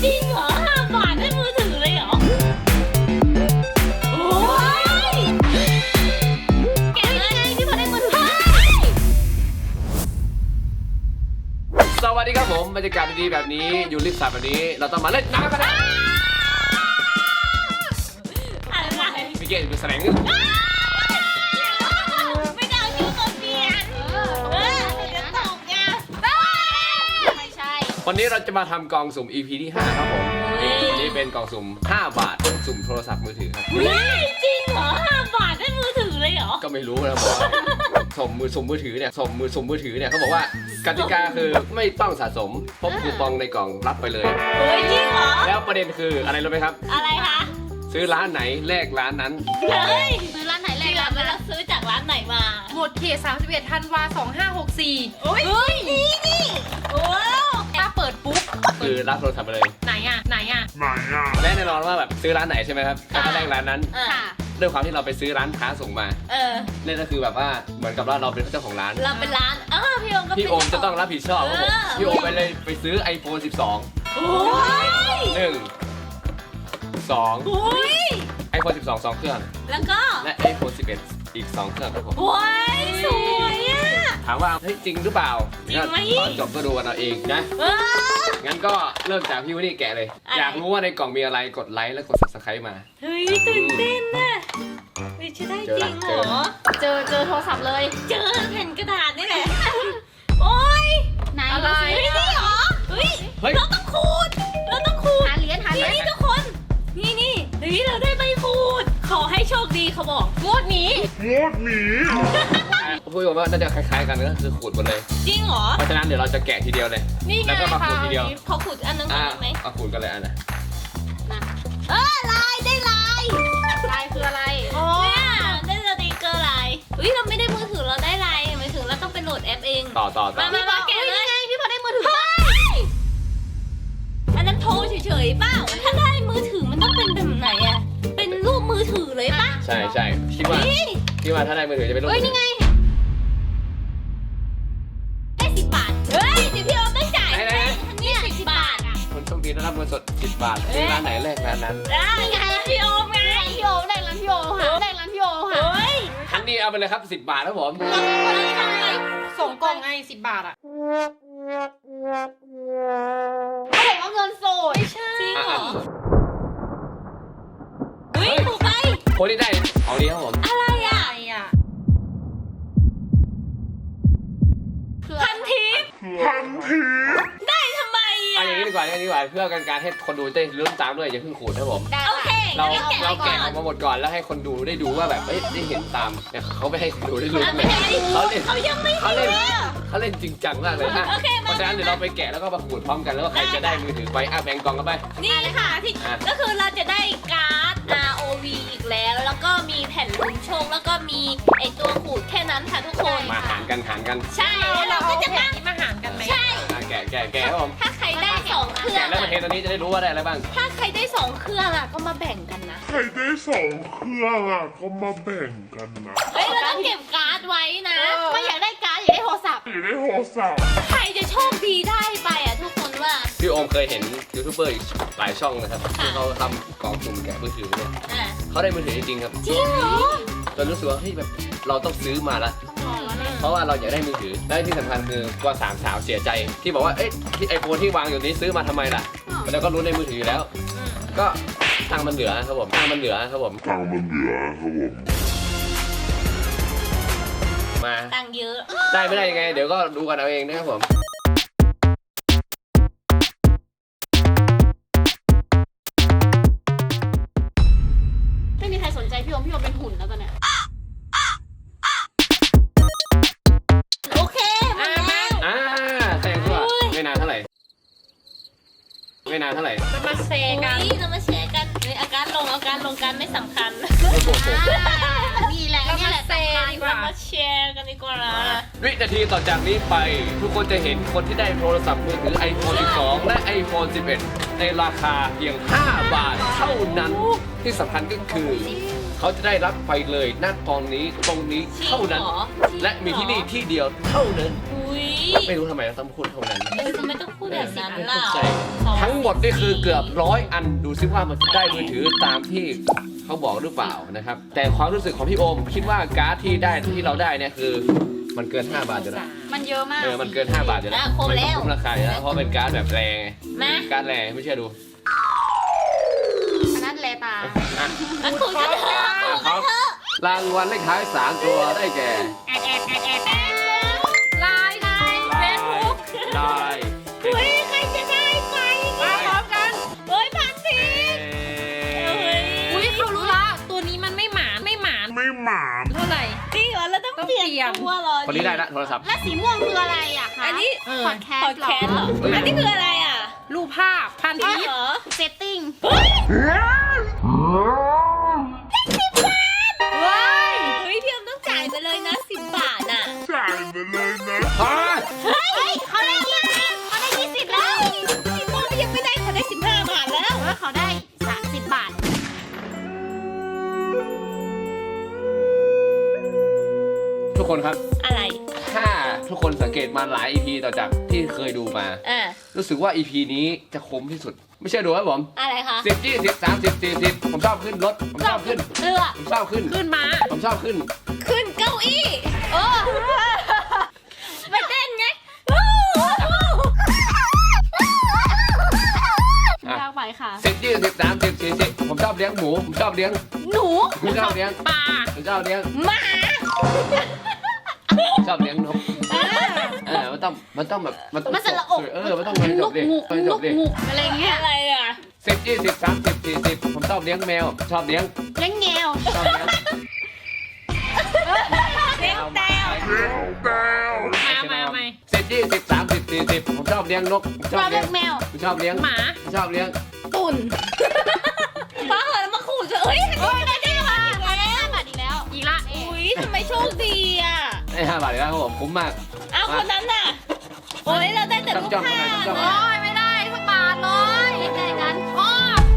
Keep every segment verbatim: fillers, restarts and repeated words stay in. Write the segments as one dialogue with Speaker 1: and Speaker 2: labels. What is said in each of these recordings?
Speaker 1: จริงเหรอห้าบาทได้มือถือเลยเหรอโอ้ยแกะเลยไงพี่พอได้มือถือ
Speaker 2: สวัสดีครับผมบรรยากาศดีๆแบบนี้อยู่ริมสระแบบนี้เราต้องมาเล่นน้ำกันนะ
Speaker 1: อะไร
Speaker 2: พี่เกดดูแสดง
Speaker 1: ไม่ได้เอาคิ้วตัวเปลี่ยนเออจะตกไงไม่ใช่
Speaker 2: วันนี้เราจะมาทำกล่องสุ่ม อี พี ที่ห้าครับผมนี่เป็นกล่องสุ่มห้าบาทสุ่มโทรศัพท์มือถือครับ
Speaker 1: เฮ้ยจริงเหรอห้าบาทได้มือถือเลยเหรอ
Speaker 2: ก็ไม่รู้นะบอกว่าสุ่มมือสุ่มมือถือเนี่ยสุ่มมือสุ่มมือถือเนี่ยเขาบอกว่ากติกาคือไม่ต้องสะสมพบคูปองในกล่องรับไปเลย
Speaker 1: เฮ้ยจริงเหรอ
Speaker 2: แล้วประเด็นคืออะไรรู้ไหมครับ
Speaker 1: อะไรคะ
Speaker 2: ซื้อร้านไหนแลกร้านนั้น
Speaker 1: เฮ้ยซื้อร้านไหนแลกร้านนั้นแล้วซื้อจากร้านไหนมา
Speaker 3: หมดเขตสามสิบเอ็ดธันวาสองห้าหกสี่
Speaker 1: เฮ้ยนี่นี่โอ้
Speaker 3: ถ้าเปิดปุ๊บ
Speaker 2: คือรับโทรศัพท์ไปเลย
Speaker 3: ไหนอ่ะไหนอ่ะ
Speaker 2: ไหนอ่ะและแน่นอนว่าแบบซื้อร้านไหนใช่ไหมครับแล้วก็แลกร้านนั้น
Speaker 1: ค่ะ
Speaker 2: ด้วยความที่เราไปซื้อร้านค้าส่งมา
Speaker 1: เออ
Speaker 2: นี่ก็คือแบบว่าเหมือนกับว่าเราเป็นเจ้าของร้าน
Speaker 1: เราเป็นร้านอ้าวพี่โอมก็
Speaker 2: พี่โอมจะต้องรับผิดชอบครับผมพี่โอมไปเลยไปซื้อ ไอโฟน สิบสอง
Speaker 1: โอ้ย
Speaker 2: หนึ่งสอง
Speaker 1: โอ้ย
Speaker 2: ไอโฟน สิบสอง สองเครื่อง
Speaker 1: แล้วก็
Speaker 2: และ ไอโฟน สิบเอ็ด อีกสองเครื่องครับผม
Speaker 1: โอ้ยสวยอ่ะ
Speaker 2: ถามว่าเฮ้ยจริงหรือเปล่า
Speaker 1: จริงไหม
Speaker 2: ตอนจบก็ดูกันเอาเองนะงั้นก็เริ่มจากพี่วันนี้แกะเลยอยากรู้ว่าในกล่องมีอะไรกดไลค์และกด ซับสไครบ์ มา
Speaker 1: เฮ้ยตื่นเต้นน่ะเฮ้ยจะได้จริงเหรอ
Speaker 3: เจอเจอโทรศัพท์เลย
Speaker 1: เจอแผ่นกระดาษนี่แหละโอ้ย
Speaker 3: ไหนอะไร
Speaker 1: เฮ้ยนี่เหรอเฮ้ยเราต้องขูดเราต้องขูด
Speaker 3: หาเหรียญหาเหรียญ
Speaker 1: นี่ทุกคนนี่นี่เฮ้ยเราได้ใบขูดขอให้โชคดีเขาบอก
Speaker 3: งวดนี้
Speaker 2: งวดนี้พูดว่าน่าจะคล้ายๆกันนะคือขูดหมดเลย
Speaker 1: จริงเหรอ
Speaker 2: เพราะฉะนั้นเดี๋ยวเราจะแกะทีเดียวเลยแล้วก็มาขูดทีเดียว
Speaker 1: ขอขูดอันนึงก่อนไหม
Speaker 2: เอาขูดกันเลยอันน่ะ
Speaker 1: เออลายได้ลาย
Speaker 3: ลายคืออะไร
Speaker 1: อ๋อได้สติกเกอร์ลายเฮ้ยเราไม่ได้มือถือเราได้ลายมือถือเราต้องไปโหลดแอปเอง
Speaker 2: ต่อต่อต่อ
Speaker 1: มามาแกะเลยพี่พอได้มือถืออันนั้นโทรเฉยๆเปล่าถ้าได้มือถือมันต้องเป็นแบบไหนอะเป็นรูปมือถือเลยป่ะ
Speaker 2: ใช่ใช่คิดว่าคิดว่าถ้าได้มือถือจะเป็นรูป
Speaker 1: เฮ้ยนี่ไงได้สิบบาทเฮ้ยเดี๋ยวพี่โอมต้องจ่ายเนี่ยสิบบาทอะ
Speaker 2: คนโชคดีได้รับเงินสดสิบบาทที่ร้านไหนแรกร้านนั้น
Speaker 1: ได้ไงพี่โอมไง
Speaker 3: พี่โอมได้ร้านพี่โอมค่ะได้ร้านพี่โอมค่ะ
Speaker 1: เฮ้ย
Speaker 2: ทันนี้เอาไปเลยครับสิบบาทครับผม
Speaker 3: ส่งกล่องไงสิบบาทอะเขาบอกว่าเงินสด
Speaker 1: ไม่ใช่จริงเหรอเฮ้ยถูกไป
Speaker 2: คนที่ได้เอาดีครับผม
Speaker 1: อะไรอ่ะพันทิป
Speaker 2: พันทิป
Speaker 1: ได้ทำไมอ่ะ
Speaker 2: อย่างนี้ดีกว่าอย่างนี้ดีกว่าเพื่อการการให้คนดูได้ลุ้นตามด้วยอย่าเพิ่งขูดครับผม
Speaker 1: โอเค
Speaker 2: เราเราแกะออกมาหมดก่อนแล้วให้คนดูได้ดูว่าแบบเอ้ยได้เห็นตามเนี่ยเขาไม่ให้ดูได้รู้เลยเขาเล่น
Speaker 1: เขายังไม่
Speaker 2: เขาเล่นเขาเล่นจริงจังมากเลยนะเพราะฉะนั้นเดี๋ยวเราไปแกะแล้วก็มาขูดพร้อมกันแล้วก็ใครจะได้มือถือไปอ่ะแบ่งกล่องกันไป
Speaker 1: นี่ค่ะที่ก็คือเราจะได้การ์ด อาร์ โอ วี อีกแล้วแล้วก็มีแผ่นลุ้นโชคแล้วก็มีไอตัวขูดแค่นั้นค่ะทุกคน
Speaker 2: มาหารกันหารกัน
Speaker 1: ใช่แล้วเราก็จะมา
Speaker 3: มาหารกันไหม
Speaker 1: ใช่
Speaker 2: แกะแกะแกะครับผม
Speaker 1: ถ้าใครได้สองเครื่อง
Speaker 2: แกะแล้วมาเทตอนนี้จะได้รู้ว่าได้อะไรบ้าง
Speaker 1: ถ้าใครได้สองเครื่องอ่ะก็มาแบ่งกันนะ
Speaker 4: ใครได้สองเครื่องอ่ะก็มาแบ่งกันนะ
Speaker 1: เฮ้ยเราต้องเก็บการ์ดไว้นะ
Speaker 3: ไม่อยากได้การ์ดอยากได้โทรศัพท์
Speaker 4: อยากได้โทรศัพท์
Speaker 1: ใครจะโชคดีได้ไปอ่ะทุกคนว่า
Speaker 2: พี่โอมเคยเห็นยูทูบเบอร์หลายช่องนะครับที่เขาทำกล่องสุ่มแกะมือถือเนี่ยเขาได้มือถือจริงๆครับ
Speaker 1: จริงเหรอ
Speaker 2: จนรู้สึกว่าเฮ้ยแบบเราต้องซื้อมาละเพราะว่าเราอยากได้มือถือและที่สำคัญคือกว่าสามสาวเสียใจที่บอกว่าเอ๊ะที่ไอโฟนที่วางอยู่นี้ซื้อมาทำไมล่ะแล้วก็รู้ในมือถือแล้วก็ตังมันเหลือครับผมตังมันเหลือครับผม
Speaker 4: ตังมันเหลือครับผม
Speaker 2: มา
Speaker 1: ตังเยอะ
Speaker 2: ได้ไม่ได้ยังไงเดี๋ยวก็ดูกันเอาเองนะครับผม
Speaker 3: ไม่มีใครสนใจพี่โอมพี่โอมเป็นหุ่นแล้วตอนเนี้ย
Speaker 1: โอเคมาแล้ว
Speaker 2: อ่าแซงตัวไม่นานเท่าไหร่ไม่นานเท่าไหร่
Speaker 3: เรามาแชร์กัน
Speaker 1: เรามาแชร์กันเลยอาการลงอาการลงการไม่สำคัญ
Speaker 3: นี่แหละ
Speaker 1: นี่แหละสำคัญเรามาแชร์กันดีกว่า
Speaker 2: วินาทีต่อจากนี้ไปทุกคนจะเห็นคนที่ได้โทรศัพท์มือถือ ไอโฟน สิบสอง และ ไอโฟน สิบเอ็ด ในราคาเพียงห้าบาทเท่านั้นที่สำคัญก็คือเขาจะได้รับไปเลยณตอนนี้ตรงนี้เท่านั้นและมีที่นี่ที่เดียวเท่านั้น
Speaker 1: อุ้ย
Speaker 2: ไม่รู้ทำไมเราต้องพูดเท่านั้น
Speaker 1: เออทำไมต้องพูดแบบนั้นล่ะ
Speaker 2: ทั้งหมดนี่คือเกือบร้อยอันดูซิว่ามันได้มือถือตามที่เขาบอกหรือเปล่านะครับแต่ความรู้สึกของพี่โอมคิดว่าการ์ดที่ได้ที่เราได้เนี่ยคือมันเกินห้าบาทอยู่แล้ว
Speaker 3: มันเยอะมาก
Speaker 2: เออมันเกินห้าบาทอยู่แล้ว
Speaker 1: อ่ะครบแล้ว
Speaker 2: มันคุ้มราคาอยู่แล้วเพราะเป็นการ์ดแบบแรง
Speaker 1: มา
Speaker 2: การ์ดแรงไม่เชื่อดู
Speaker 3: อันนั้นแลตา
Speaker 2: อ่ะ
Speaker 1: มาคุยกันเถอะคุยกันเถอะ
Speaker 2: รางวัลเลขท้ายสามตัวได้แก่
Speaker 3: แอดแอดแอดแอดแอด
Speaker 1: ไลน์ไลน์เฟซบุ๊ก
Speaker 2: ได้
Speaker 1: เฮ้ยใครจะได้ไป
Speaker 3: มาพร้อมกัน
Speaker 1: เฮ้ยพันสิเฮ้ย
Speaker 3: อุ้ยเขารู้ละ ตัวนี้มันไม่หมานไม่หมาน
Speaker 4: ไม่หมา
Speaker 3: เท่าไหร่
Speaker 1: จริงเหรอเราต้องเปลี่ยนตัวเหรอ
Speaker 2: คนนี้ได้ละโทรศัพท์
Speaker 3: และสีม่วงคืออะไรอะคะ
Speaker 1: อันนี้
Speaker 3: พอดแคส
Speaker 1: พอด
Speaker 3: ต์เหร
Speaker 1: แคสต์เหร
Speaker 3: อ
Speaker 1: ออันนี้คืออะไรอ่ะ
Speaker 3: รูปภาพพัน
Speaker 1: อ๋อ
Speaker 3: ทิป
Speaker 1: เหรอ
Speaker 3: เซตติ้ง
Speaker 1: เฮ้ย
Speaker 3: เว้ย
Speaker 1: เฮ้ยพี่อมต้องจ่ายไปเลยนะสิบบาทอ่ะ
Speaker 4: จ่ายไปเลยนะ
Speaker 2: ฮะ
Speaker 1: เฮ้ยเขาได้ยี่สิบเขาได้ยี่สิบแล้วพี่โมยังไม่ได้เขาได้สิบห้าบาทแล้ว
Speaker 3: เออเขาได้สามสิบบาท
Speaker 2: ทุกคนครับ
Speaker 1: อะไร
Speaker 2: ถ้าทุกคนสังเกตมาหลาย อี พี ต่อจากที่เคยดูมา
Speaker 1: อ่า
Speaker 2: รู้สึกว่า อี พี นี้จะคุ้มที่สุด ไม่ใช่ดูครับผม
Speaker 1: อะไรคะ
Speaker 2: สิบยี่สิบสามสิบสี่สิบผมชอบขึ้นรถผมชอบขึ้น
Speaker 1: เรือ
Speaker 2: ผมชอบขึ้น
Speaker 3: ขึ้นมา
Speaker 2: ผมชอบขึ้น
Speaker 1: ขึ้นเก้าอี้โอ้ไปเต้นไง
Speaker 2: อ่ะ
Speaker 3: ยากไปค่ะ
Speaker 2: สิบยี่สิบสามสิบสี่สิบผมชอบเลี้ยงหมูผมชอบเลี้ยง
Speaker 1: หนู
Speaker 2: ผมชอบเลี้ยง
Speaker 3: ปลา
Speaker 2: ผมชอบเลี้ยง
Speaker 1: หมา
Speaker 2: ชอบเลี้ยงนกเออมันต้องมันต้องแบบมันต้อง
Speaker 3: มันสระอก
Speaker 2: เออมันต้องมันจ
Speaker 3: ลู
Speaker 2: บ
Speaker 3: ก
Speaker 2: ดิ
Speaker 3: งู
Speaker 2: มันจ
Speaker 3: ลู
Speaker 2: บ
Speaker 3: ก
Speaker 2: ดิ
Speaker 3: งูอะไรเงี้ย
Speaker 1: อะไรอ่ะ
Speaker 2: สิบยี่สิบสามสิบสี่สิบผมชอบเลี้ยงแมวชอบเลี้ยง
Speaker 3: เลี้ยงแงว
Speaker 2: ชอบเลี้ยง
Speaker 1: เลี้ยงแต้ว
Speaker 4: แต้ว
Speaker 3: มามาไหม
Speaker 2: สิบยี่สิบสามสิบสี่สิบผมชอบเลี้ยงนกผมช
Speaker 3: ช
Speaker 2: อ
Speaker 3: อ
Speaker 2: บบ เลี้
Speaker 3: เลี้
Speaker 2: ย
Speaker 3: ย
Speaker 2: ง
Speaker 3: งแมว
Speaker 2: ผมชอบเลี้ยง
Speaker 3: หมา
Speaker 2: ผมชอบเลี้ยง
Speaker 3: ตุ่น
Speaker 1: ป้าเหรอมาขู่เฉยเฮ้ยอันนี้ได้ได้มาอีกแล้ว
Speaker 3: ห้าบาทอีกแล้ว
Speaker 1: อีกละอุ้ยทำไมโชคดีอ่ะ
Speaker 2: ไอ้ห้าบาทเลยครับผมคุ้มมาก
Speaker 1: อ้าวคนนั้นน่ะโอ้ยเราได้แต่รูป
Speaker 2: จ้องๆ
Speaker 1: ภาพ
Speaker 2: จ้องๆ
Speaker 3: โอ้ยไม่ได้สักบาทเลยยังไงกันโอ้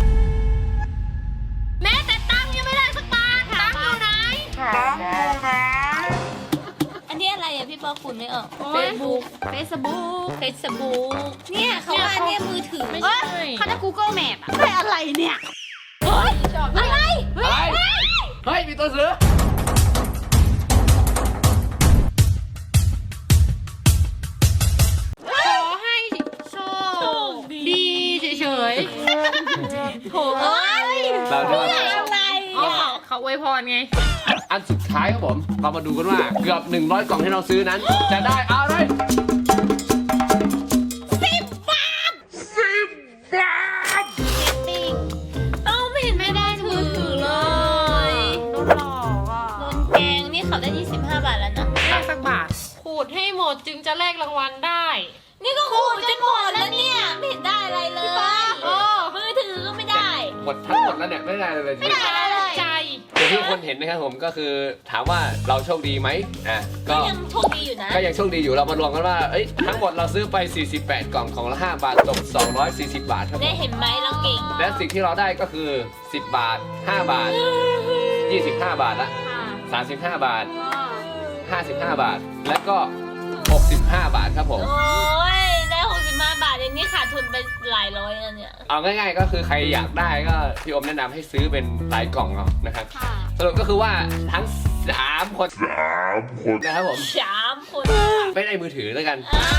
Speaker 3: แม้แต่ตังค์ยังไม่ได้สักบาทตังค์อยู่ไหน
Speaker 4: ตามดูนะ
Speaker 1: อันนี้อะไรอ่ะพี่ปอคุณไม่ออก
Speaker 3: เฟซบุ๊กเฟซบุ๊ก
Speaker 1: เฟซบุ๊กเนี่ยเขาว่าเนี่ยมือถือ
Speaker 3: ไม่ใช่เขาจะ Google Map อะได้อะไรเนี่ย
Speaker 1: เฮ้ยอะไร
Speaker 2: อะไรเฮ้ยมีตัวเสือ
Speaker 3: ขอให้โชคดีเฉยๆโถ
Speaker 1: เฮ้ย
Speaker 2: เราจะมา
Speaker 1: อะไร
Speaker 3: อ๋อ
Speaker 1: อ่ะ
Speaker 3: เขาอวยพรไง
Speaker 2: อันสุดท้ายครับผมเรามาดูกันว่าเกือบหนึ่งร้อยกล่องที่เราซื้อนั้น จะได้อะไร
Speaker 1: สิบบาท
Speaker 4: สิบบาท
Speaker 3: ติ้ง
Speaker 1: เอ้าไม่เห็นไม่ได้มือถือเลย
Speaker 3: โดนหลอกอ่ะ
Speaker 1: โดนแกงนี่เขาได้ยี่สิบห้าบาทแล้วนะ
Speaker 3: แลกสักบาท ขูดให้หมดจึงจะแลกรางวัลได้
Speaker 1: นี่ก็ขู่จนหมดแล้วเนี่ยไม่เห็นได้อะไรเลย
Speaker 3: โอ้
Speaker 1: มือถือก็ไม่ได้
Speaker 2: หมดทั้งหมดแล้วเนี่ยไม่ได้เลย
Speaker 1: ไม่ได้อะไรเลย
Speaker 3: ใจ
Speaker 2: อย่างที่คนเห็นนะครับผมก็คือถามว่าเราโชคดีไหมอ่ะ
Speaker 1: ก็
Speaker 2: ก็
Speaker 1: ยังโชคดีอยู่นะ
Speaker 2: ก็ยังโชคดีอยู่เรามารวมกันว่าเอ้ยทั้งหมดเราซื้อไปสี่สิบแปดกล่องของละห้าบาทตกสองร้อยสี่สิบบาทครับผ
Speaker 1: ได้
Speaker 2: ม
Speaker 1: เห็นไหมเราเก่ง
Speaker 2: และสิ่งที่เราได้ก็คือสิบบาทห้าบาทยี่สิบห้าบาทละ
Speaker 3: ค่ะ
Speaker 2: สามสิบห้าบาท
Speaker 3: อ๋อ
Speaker 2: ห้าสิบห้าบาท และก็หกสิบห้าบาทครับผม
Speaker 1: โอ้ยได้หกสิบห้าบาทอย่างนี้ขาดทุนไปหลายร้อยแล้วเนี่ย
Speaker 2: เอาง่ายๆก็คือใครอยากได้ก็พี่อมแนะนำให้ซื้อเป็นหลายกล่องเอานะครับ
Speaker 3: ค่ะ
Speaker 2: สรุปก็คือว่าทั้งสามคน
Speaker 4: สามคน
Speaker 2: นะครับผม
Speaker 1: สามคน
Speaker 2: ไม่ได้มือถือแล้วกัน
Speaker 1: อ่ะ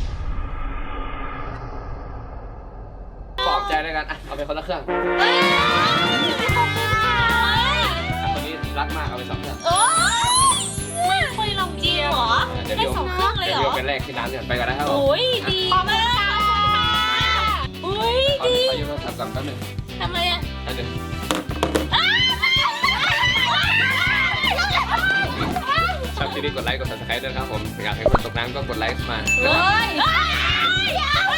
Speaker 2: ปลอบใจแล้วกันอ่ะเอาไปคนละเครื่อง
Speaker 1: เฮ้ย
Speaker 2: อ่ะคนนี้รักมากเอาไปสองเครื่อง
Speaker 1: โอ้ยไม่ค่อยลองจริงเหรอ
Speaker 2: เดี๋ยว
Speaker 1: ได้
Speaker 2: เดี๋ยว
Speaker 1: สองเครื่องเลย
Speaker 2: เดี๋ยว
Speaker 1: เหร
Speaker 2: เดี๋ยว
Speaker 1: อ
Speaker 2: เป็นแรกที่ร้านกันไปกันนะครับผม
Speaker 1: โอ้ยดีมากอุ้ย
Speaker 2: ขอ
Speaker 1: ดี
Speaker 2: ขอยืมโทรศัพท์ก่อนแป๊บหนึง
Speaker 1: ทำไมอ่ะ
Speaker 2: อันหนึ่งชอบคลิปนี้กดไลค์กด ซับสไครบ์ ด้วยนะครับผมอยากให้คนตกน้ำก็กดไลค์มา
Speaker 1: เฮ้ย